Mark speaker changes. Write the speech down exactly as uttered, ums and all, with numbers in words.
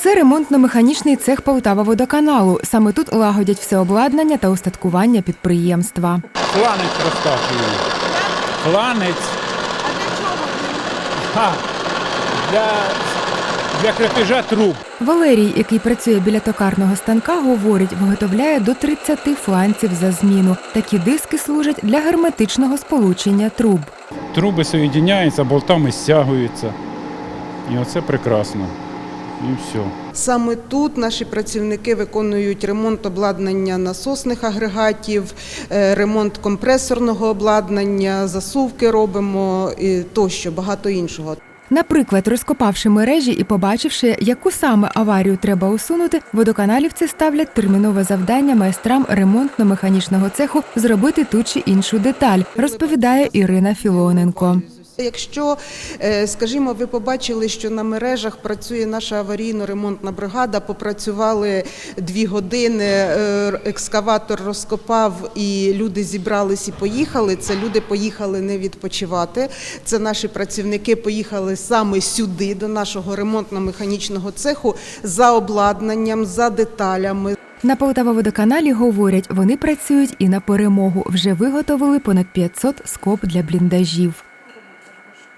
Speaker 1: Це ремонтно-механічний цех Полтававодоканалу. Саме тут лагодять все обладнання та устаткування підприємства.
Speaker 2: Фланець розкачують. Фланець.
Speaker 3: А для чого він?
Speaker 2: Ха. Для, для крепежа труб.
Speaker 1: Валерій, який працює біля токарного станка, говорить, виготовляє до тридцяти фланців за зміну. Такі диски служать для герметичного сполучення труб.
Speaker 2: Труби соєдиняються, болтами стягуються. І оце прекрасно. І все.
Speaker 3: Саме тут наші працівники виконують ремонт обладнання насосних агрегатів, е, ремонт компресорного обладнання, засувки робимо і тощо, багато іншого.
Speaker 1: Наприклад, розкопавши мережі і побачивши, яку саме аварію треба усунути, водоканалівці ставлять термінове завдання майстрам ремонтно-механічного цеху зробити ту чи іншу деталь, розповідає Ірина Філоненко.
Speaker 3: Якщо, скажімо, ви побачили, що на мережах працює наша аварійно-ремонтна бригада, попрацювали дві години, екскаватор розкопав і люди зібрались і поїхали, це люди поїхали не відпочивати, це наші працівники поїхали саме сюди, до нашого ремонтно-механічного цеху, за обладнанням, за деталями.
Speaker 1: На Полтававодоканалі говорять, вони працюють і на перемогу. Вже виготовили понад п'ятсот скоб для бліндажів.